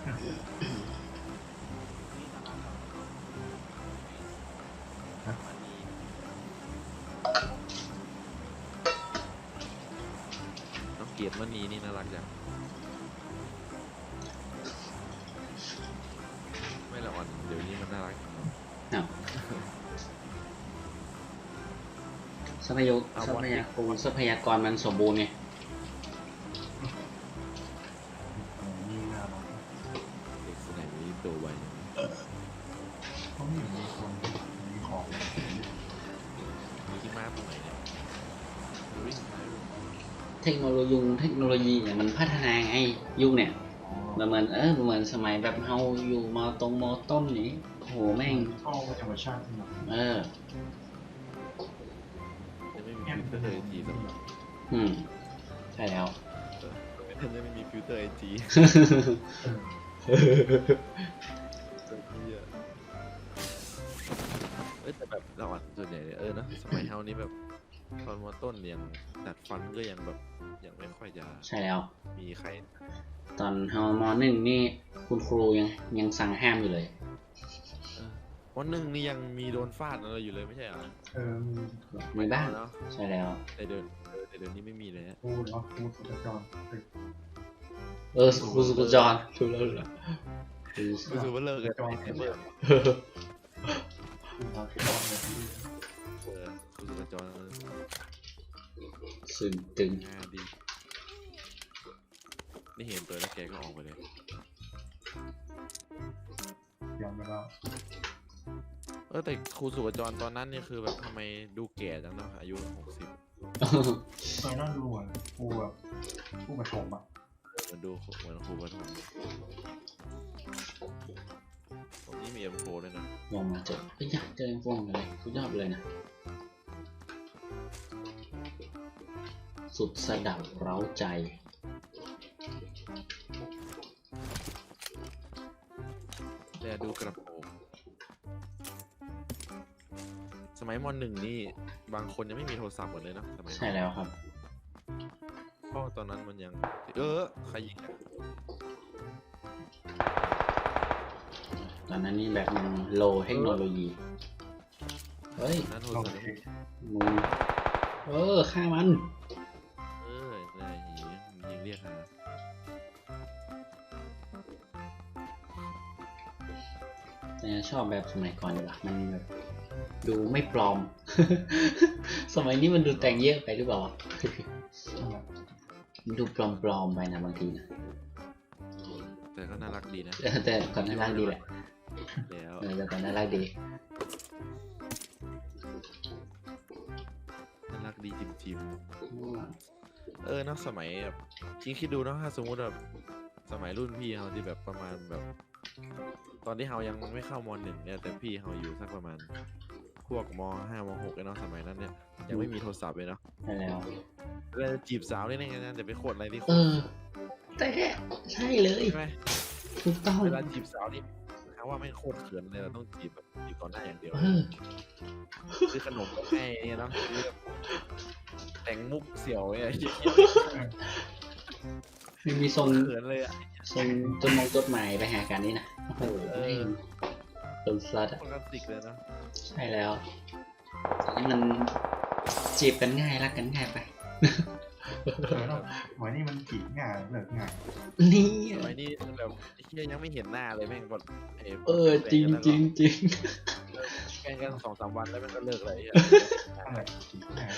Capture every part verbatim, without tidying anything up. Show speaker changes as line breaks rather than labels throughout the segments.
น้องเกียรติมณีนี่น่ารักจังไม่ละอ่อนเดี๋ยวนี้มันน่ารัก
ทรัพยากรทรัพยากรทรัพยากรมันสมบูรณ์ไง
เด็กสมัยนี้ตัวไว
เขาไม่มีคนมีของ
ที่มาตรงไหนเนี่ยวิ่งไป
เทคโนโลยีเทคโนโลยีเนี่ยมันพัฒนาไงยุคเนี่ยมันเหมือนเออเหมือนสมัยแบบเฮาอยู่มอตรงมอต้นนี้โหแม่ง
เข้าธรรมชาติที่มัน
เออ
จะไม่มีฟิลเตอร์ไอจีสำหรับ
อืมใช่แล้ว
จะไม่มีฟิลเตอร์ไอจีเออแต่แบบเราอ่ะส่วนใหญ่เออนะสมัยเฮานี้แบบตอนมอต้นยังดัดฟันก็ยังแบบยังไม่ค่อยจะ
ใช่แล้ว
มีใคร
ตอนเฮามอหนึ่งนี่คุณครูยังยังสั่งห้ามอยู่เลย
มอหนึ่งนี่ยังมีโดนฟาดอะไรอยู่เลยไม่ใช่เหรอ
เออ
มีบ้างเนาะใช่แล้ว
แต่เดินแต่เดินนี้ไม่มีเลยฮะ
ครูเนาะครูสุจจร
เออครูสุจจรถูกแล้วเหรอ
ครูสุจเลิกกันไอ้เบิร์ดเออครูสุจจร
สึ่งตึง
ดีนี่เห็นตัวแล้วแกก็ออกไปเลย
ยอมไปแล้ว
เออแต่ครูสุวจรตอนนั้นนี่คือแบบทำไมดูแก่จังเนาะอายุหกสิบ
ตอนนั้นดูเหมือนครูแบบครูประถมอ่ะ
มันดูเหมือนครูประถมผมนี่มีเอ็มโฟด้วยนะ
ลองมาเจอไอ้ยากเจอเอ็มโฟเลยสุดยอดเลยนะสุดสะดับเร้าใจ
แต่ดูกระโปรงสมัยมหนึ่งนี่บางคนยังไม่มีโทรศัพท์หมดเลยนะสมัย
ใช่แล้วครับ
เพราะตอนนั้นมันยังเออใครยิง
ตอนนั้นนี่แบบมันโลเทคโนโลยีเฮ้ย
นั่นโทรศัพท์
มึงเออฆ่ามัน
เออได้ยิงยิงเรียกหา
แต่ชอบแบบสมัยก่อนดีกว่ามันแบบดูไม่ปลอม สมัยนี้มันดูแต่งเยอะไปหรือเปล่ามันดูปลอมๆไปนะบางทีนะ
แต่ก็น่ารักดีนะ
แต่ก่อนน่ารักดีแหละ
แล้ว
แต่ก่อนน่ารักดี
น่ารักดีจิมจิมเออเนาะสมัยแบบคิดคิดดูเนาะถ้าสมมุติแบบสมัยรุ่นพี่เขาที่แบบประมาณแบบตอนที่เขายังไม่เข้ามหนึ่งเนี่ยแต่พี่เขาอยู่สักประมาณพวกมห้ามหกเนาะสมัยนั้นเนี่ยยังไม่มีโทรศัพท์เลยเนาะ
ใช่แล้ว
แล้วจีบสาวได้ไงนะแต่ไปโคตรอะไรที่
เออแต่ใช่เลย
ใช่ไหม
ถูกต้อง
เวลาจีบสาวนี่เขาว่าไม่โคตรเขินเลยเราต้องจีบแบบจีบก่อนหน้าอย่างเดียวซื้อขนมให้เนี่ยเนาะแต่งมุกเสี่ยวอะไรอย่างเงี้ย
ไม่มีทรง
เขินเลยอะ
ทรงจดมองจดหมายไปหากันนี่นะโอ้โหเป็นสัตว์อะใช่แล้วนี่มันจีบกันง่ายรักกันง่ายไป
หมายนี่มันจีบง่ายเลิกง่าย
นี่
หมายนี่แบบที่ยังไม่เห็นหน้าเลยแม่งกด
เออจริงจริงจริง
แข่งกันสองสามวันแล้วมันก็เลิกเลย
อะไรจีบง่าย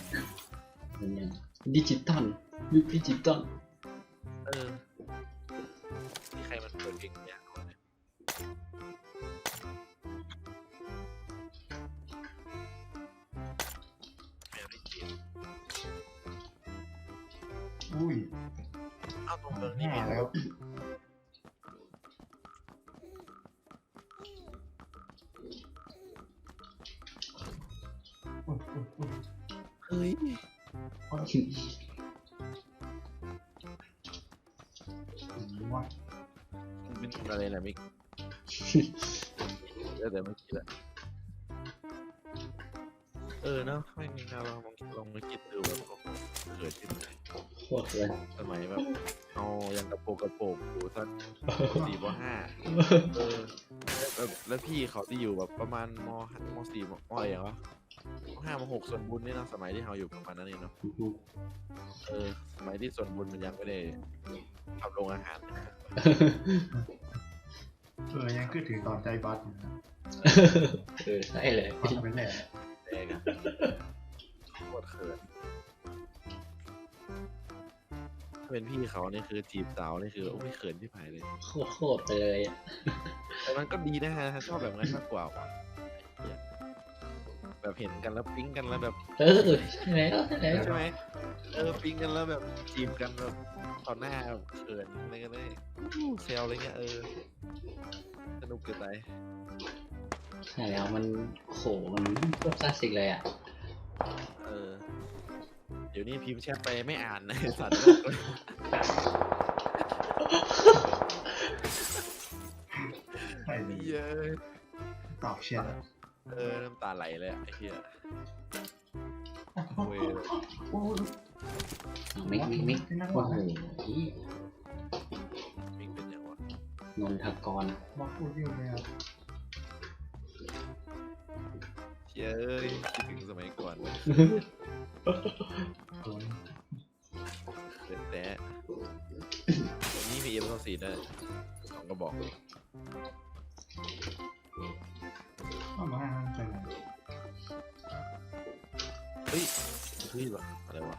ดิจิตอลยุคดิจิตอล
เออนี่ใครมันเปิดเพลงเนี่ย
อุ้ย
เอาตรงเมืองนี่
แล้ว
เฮ้ย
ว่า
เป็นอะไรนะมิกเดี๋ยวเดี๋ยวไม่คิดละเอออเนาะไม่มีเราลองลองมาคิดดูแบบเกิดที่ไหน
โคตรเลย
สมัยแบบเอายังกระโปรงกระโปรงอยู่สักสี่ปห้าเออแล้วแล้วพี่เขาที่อยู่แบบประมาณมมสี่มอะไรอย่างวะมห้ามหกส่วนบุญนี่เนาะสมัยที่เราอยู่ประมาณนั้นเองเนาะเออสมัยที่ส่วนบุญมันยังไม่ได้ทำโรงอาหาร
เออยังคือถือตอนใจบัสอยู่นะ
เออใช่เลย
บัสเป็นแหล่
แดงอะโคตรเขินถ้าเป็นพี่เขานี่คือจีบสาวนี่คือโอ้ไม่เขินที่ผายเลย
โคตรโคตรไปเลยอะ
แต่มันก็ดีนะฮะชอบแบบนั้นมากกว่าว่ะแบบเห็นกันแล้วปิ๊งกันแล้วแบบ
เออใช่แล้วใช่แล้ว
ใช่ไหมเออปิ๊งกันแล้วแบบจีบกันแบบต่อหน้าแบบเขินอะไรกันเลยอู้เซลอะไรเงี้ยเออสนุกเกินไป
ใช่แล้วมันโหมันโคตรคลาสสิกเลยอ่ะ
เออเดี๋ยวนี้พิมพ์แชทไปไม่อ่านนะ สัตว์
ใช่เลย
เยอะ
ตอบเชียร์
เออน้ำตาไหลเลยอะไอ้เหี้ยเว้ย
โอ้ย
มิกมิกมิก
เป็นนัก
โอ้
วาด
โห
มิงเป็นยังวะ
นนทกร
บอกพูดเยอะเลยอ่ะ
เย้ยคิดถึงสมัยก่อน
โอ้ย
เล่นแต่วันนี้มีเอ็มสองสี่ด้วยสองกระบอก
เข้ามาให้มันใจเลย
เฮ้ยเฮ้ยวะอะไรวะ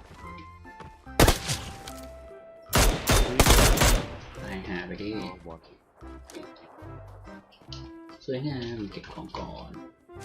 ตายหาไปดิ
อ๋อบอล
สวยงามเก็บของก่อน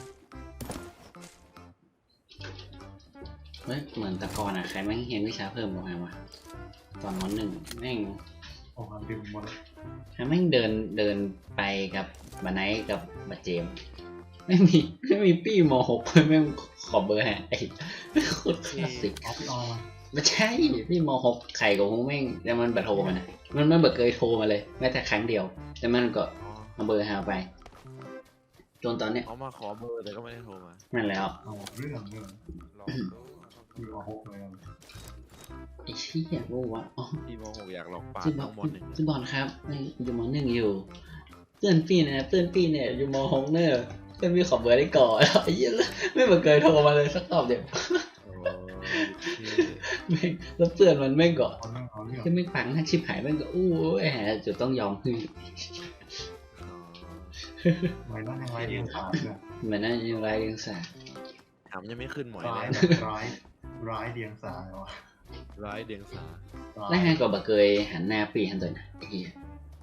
เฮ้ยเหมือนแตะกอนอ่ะใครแม่งเห็นวิชาเพิ่มบ้างไหมวะตอนมหนึ่งแม่ง
โอ้มันดึงหมดเลย
ใครแม่งเดินเดินไปกับบันไนท์กับบัดเจมส์ไม่มีไม่มีปี้มหกแม่งขอเบอร์ฮะไอ้โคตรคลาสสิก
เอาพี่ออมา
ไม่ใช่พี่มหกไข่ของแม่งแต่มันบัดโทรมานะมันมันแบบเคยโทรมาเลยแม้แต่ครั้งเดียว แต่มันก็
อ๋อ
เอาเบอร์หาไปจนตอนเนี้ย
เอามาขอเบอร์แต่ก็ไม่ได้โทรมา
นั่นแล้ว
เอาเรื่องเรื่อง
ลองดู
คือเอาหกเลยอะ
ไอ้เชี่ยรู้วะอ๋อ
พี่โมหกอยากลองปาด
พี่บอ
น้
ล
องมอหนึ่ง
พี่บอลครับอยู่มหนึ่งอยู่เพื่อนพี่นะเพื่อนพี่เนี่ยอยู่มหกเนอะเพื่อนพี่ขอเบอร์ได้ก่อนไอ้เหี้ยไม่เหมือนเคยโทรมาเลยสักตอบเดียว
โอ้ย
แม่งแล้วเพื่อนมันแม่งก็
เอาเรื่องเอาเรื่อง
ที่ไม่ฟังถ้าชิบหายแม่งก็อู้แหมจะต้องยอมคือ
อ๋อ
ไม่ต้องยังไงเรียนขาดเลย
เหมือนนั่นยังไรยังสา
ถามยังไม่ขึ้นหมอย
ร้าย
เลย
แบบร้ายร้ายเดียงสายวะ
ร้ายเดียงสา
ร้าย
แล้วฮะก็บ่เคยหันหน้าปีหันตัวนะไอ้เหี้ย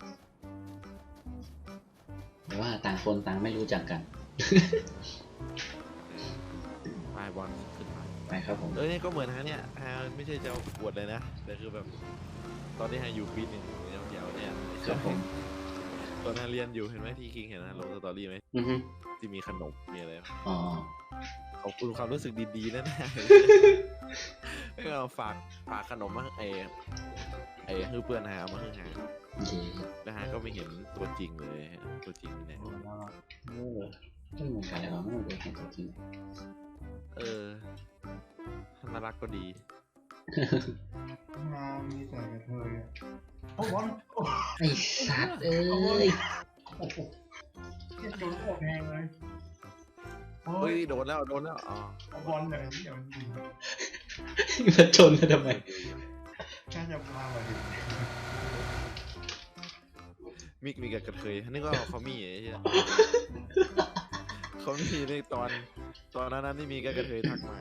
แต่ว่าต่างคนต่างไม่รู้จักกัน
ไปบอลขึ้นมา
ไปครับผม
เออเนี่ยก็เหมือนฮะเนี่ยฮะไม่ใช่จะเอาปวดเลยนะแต่คือแบบ ตอนที่ฮะอยู่ปีหนึ่งยาวๆเนี่ย
ครับผม
ตอนฮะเรียนอยู่เห็นไหมที่คิงเห็นนะลงสตอรี่ไหม
อือฮึ
ที่มีขนมมีอะไร
อ๋อ
ขอบคุณความรู้สึกดีๆนะนะไม่เอาฝากฝากขนมมาไอ้ไอ้ฮือเพื่อนฮะเอามาฮือหา
โอเค
แล้วฮะก็ไม่เห็นตัวจริงเลยฮะตัวจริงเนี่ย
โอ้ยน่ารัก
เออไม่เหมือนกันเลยว่ะไม่เหมือนกันตัวจริง
เออน่ารักก็ดี
งามมีแต่กระเทยอะโอ้บอลโอ้
ไอ้สัตว์เอ้ย
โอ้โหเจ็บโดนโคตรแพงเลยโอ้
เฮ้
ย
ยโดนแล้วโดนแล้วอ๋อ
เอาบอลเลยเดี๋ยวมันยิง
มาชนกันทำไม
แค่จะพามาดิ
มิกมีกับกระเทยนึกว่าเขามีไอ้เหี้ยเขามีในตอนตอนนั้นที่มีกับกระเทยทักมา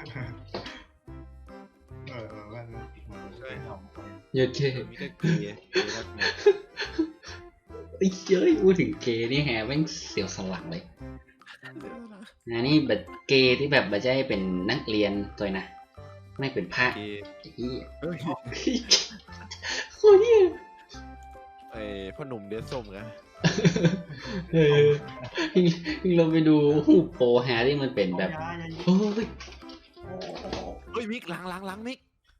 เออเออแว่นเลยใช่ทำไป
เยอะเค
มีกับเกย์เกย์ทักมา
ไอ้เจ้ยพูดถึงเกย์นี่แฮะแม่งเสียวสนหลังเลยนะนี่แบบเกย์ที่แบบไม่ใช่เป็นนักเรียนตัวนะไม่เป็นพระ
เกย์
ไอ้เหี้ย
เฮ้ย
โคตรเหี้ย
ไอ้พ่อหนุ่มเดซส้มกัน
เออพี่พี่เราไปดูรูปโปรแฮร์ที่มันเป็นแบบ
เอายาอย่ายิง
โอ้ย
โอ้โห
เฮ้ยมิกหลังหลังหลังมิก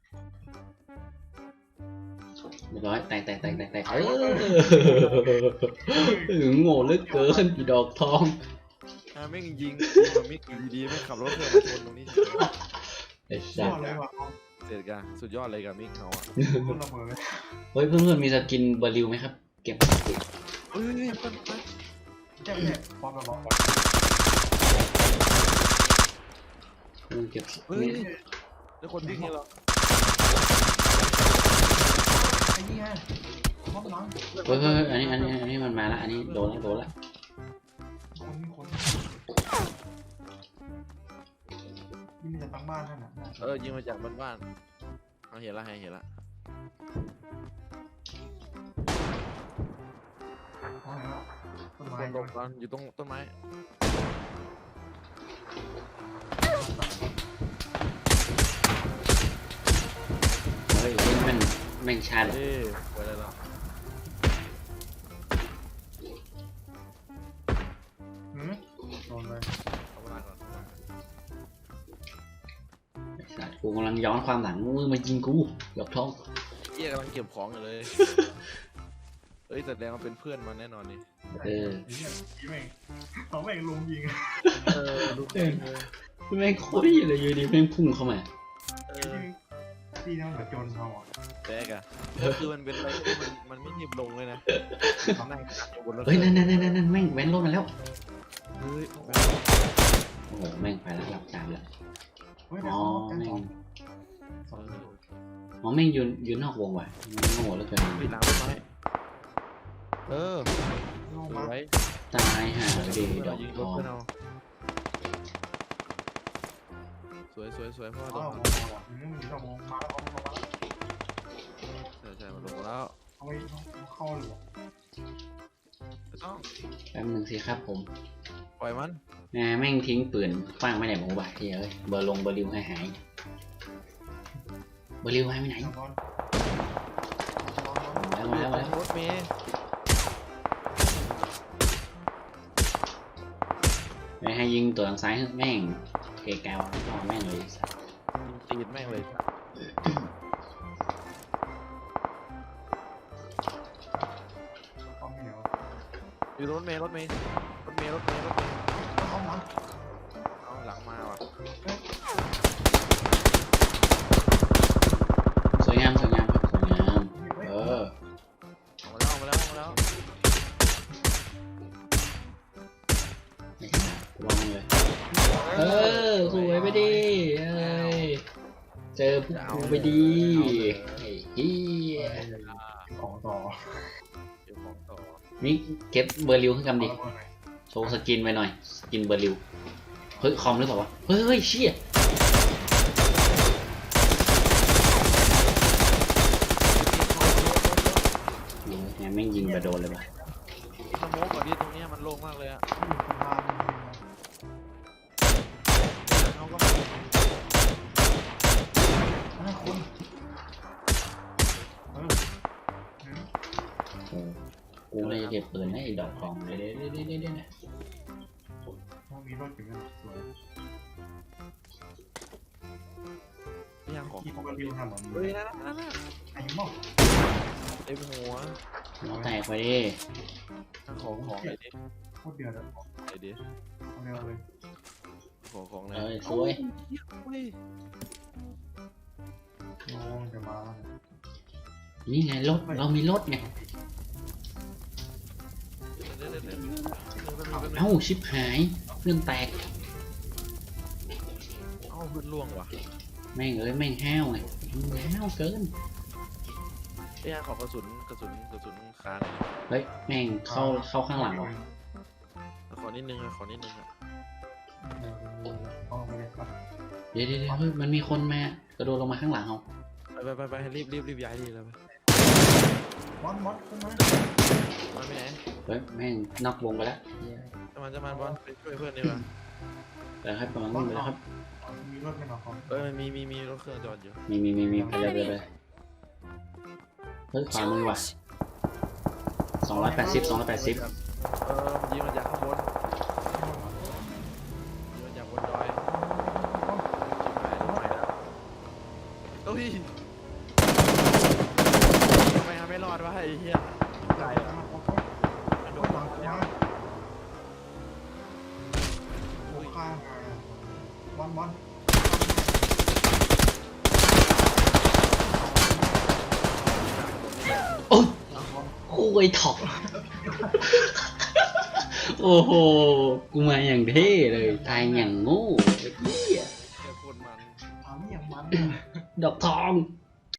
เรียบร้อยแตกแตกแตกแตกแตกเออโง่เหลือเกินอีดอกทอง
อ่าไม่งยิงมันไม่อยู่ดีๆไม่ขับรถเพื่อนมาชนตรงนี้
ไอ้
ย
สั
อ
ส
ดเลยว่ะ
เสร็จกันสุดยอดเลยกับมิกเขาอ่ะ
ต้นระเบิดเลย
เฮ้ยเพื่อนๆมีสกินเบอร์ริวไหมครับเก็บ
เฮ้ยเปิ้ลเปิ้ล
แค่แค่ความระวัง
เพื่อนเก็บ
เฮ้ยแล้วคนวิ่งนี่เหรอ
ไอ้นี่ไงความระวัง
เฮ้ยเฮ้ยอันนี้อันนี้อันนี้มันมาละอันนี้โดนละโดนละ
คนคนนี่มันจะตั้งบ้านนั่นน่ะ
เออยิงมาจากบ้านๆเอาเห็นละเห็นละ
ต้น
ค
ไม้
นหลบกันอยู่ตรงต้นไม้
เฮ้ยเล่นแม่งแม่งชาด
เอ้ยไปเลยละ
หืมโดนเลย
เอาเวลาก่อนเอาเวลาก่อน
ไอ้สัสกูกำลังย้อนความหลังมึงมายิงกูหยอกท้อง
เหี้ยกำลังเก็บของอยู่เลยเอ้ยแต่แดงมันเป็นเพื่อนมันแน่นอนนี่
เออ
ไอ้เนี่ยยิงแม่งเขาแม่งลุมยิง
เออลูกเองเลย
แม่งโคตรเหี้ยเลยอยู่ดีแม่งพุ่งเข้ามา
เออ
พี่นั่งแบบโจรเขาอ่ะ
แดกอะก็คือมันเป็นอะไรที่มันมันไม่หยิบลงเลยนะนั่งกัดอยู่บนรถ
เฮ้ยนั่นนั่นนั่นนั่นแม่งแว้นรถมาแล้ว
เฮ้ย
โอ้โหแม่งไปแล้วหลับจามแล้ว
เฮ้ย
อ๋อ
แม่
แม่ง
สอง
อ๋อแม่งยืนยืนนอกวงว่ะโง่แล้วเกิน
ไปหลังต้นไม้เออ
ลง
ส
มา
วย
ตายห่าดีดอก
ยิง
ท
รถ
อง
เพื่อนเอาสวยสวยสวยเพราะว่าโด
อ้าวน มองอ่ะนี่มันอยู่ตรงมาแล้วเอามา
ใช่ใช่มันลงแล้ว
เอาไปเข้าหรือ
ไม่ต้อง
แป๊บนึงสิครับผม
ปล่อยมัน
แม่แม่งทิ้งปืนคว้างไม่ไหนหมูบ่ายเฮ้ยเบอร์ลงเบอร์ริวให้หายเบอร์ริวหายไปไหน
บอล
แล้วมาแล้วมาแล้ว
รถเมย์
ไปให้ยิงตัวทางซ้ายแม่งเกแกวเอาแม่งเลยสัส
ตีดแม่งเลย
เข้าไม่เหนียว
อยู่รถเมย์รถเมย์รถเมย์รถเมย์รถเมย์
เข้ามา
เอาหลังมาว่ะ
สวยงามสวยงามครับสวยงามเออ
เอามาแล้วเอามาแล้วเอามาแล้ว
ไม่ขนาดวางเลยเออสวยไปดิเอ้ยเจอพวกกูไปดีไอ้เฮีย
ของต่อ
เดี๋ยวของต่อ
นี่เก็บเบอร์ริวขึ้นกำดิโชว์สกินไว้หน่อยสกินเบอร์ริวเฮ้ยคอมหรือเปล่าวะเฮ้ยเฮ้ยเชี่ย ยิงแฮมแม่งยิงไปโดนเลยป่ะ
สโมกก่อนที่ตรงเนี้ยมันโล่งมากเลยอะ
อยู่ข้างล่าง
เขาก็
ห้าคนเออ
โอ้กูเลยจะเก็บปืนให้ไอ้ดอกทองเด้เด้เด้เด้เด้เด้
ต้องมีรถอยู่กันสวย
ย่างของ
ที่เขาก็ริวทำแบบนี้
เฮ้ยนั่นนั่นนั่น
ไอ้หม้อ
เต็มหัว
หัวแตกไปดิ
ของของอะไรดิ
โคตรเดือดเลย
อะไรดิ
เอาเร็วเลย
ของของอะไร
เอ้ยสวย
เฮ้ย
น้องจะมา
นี่ไงรถเรามีรถไง
เดี๋ยวเดี๋ยวเดี๋ยวเดี๋ยวเดี๋ยว
เอ้าชิบหายเพื่อนแตก
เอ้าพื้นล่วงว่ะ
แม่งเอ้ยแม่งห้าวไงแม่งห้าวเกิน
ไอ้ย่างของกระสุนกระสุนกระสุนคาหน่อย
เฮ้ยแม่งเข้าเข้าข้างหลังว่ะ
ขอนิดนึงอะขอนิดนึงอะ
เอาไปเลยครับ
เดี๋ยวเดี๋ยวเดี๋ยวเฮ้ยมันมีคนมากระโดดลงมาข้างหลังเอา
ไปไปไปไปรีบรีบรีบย้ายดีแล้วไป
มอสมอสขึ้นมา
มันไปไหน
เฮ้ยแม่งนอกวงไปแล้ว
จะมันจะมันบอลไปช่วยเพื่อนดีกว่า
แต่ครับกำลังวิ่งไปแล้วครับ
มีรถไม่หรอครับ
เอ้ยมันมีมีมีรถเครื่องจอดอยู่
มีมีมีมีไปเลยไปเลยเฮ้ยขวามือว่ะสองร้อยแปดสิบสองร้อยแปดสิบ
เออมันยิงมาจากข้างบนยิงมาจากบนดอยชิบหายรถใหม่แล้วเฮ้ยทำไมทำไม่รอดวะไอ้เหี้ยไก่อะ
โดนหลังมามาบอลบอล
โอ้ยคุยถอกโอ้โหกูมาอย่างเท่เลยตายอย่างโง่ไอ้เหี้ย
แค่คนมัน
ทำอย่างมัน
ดอกทอง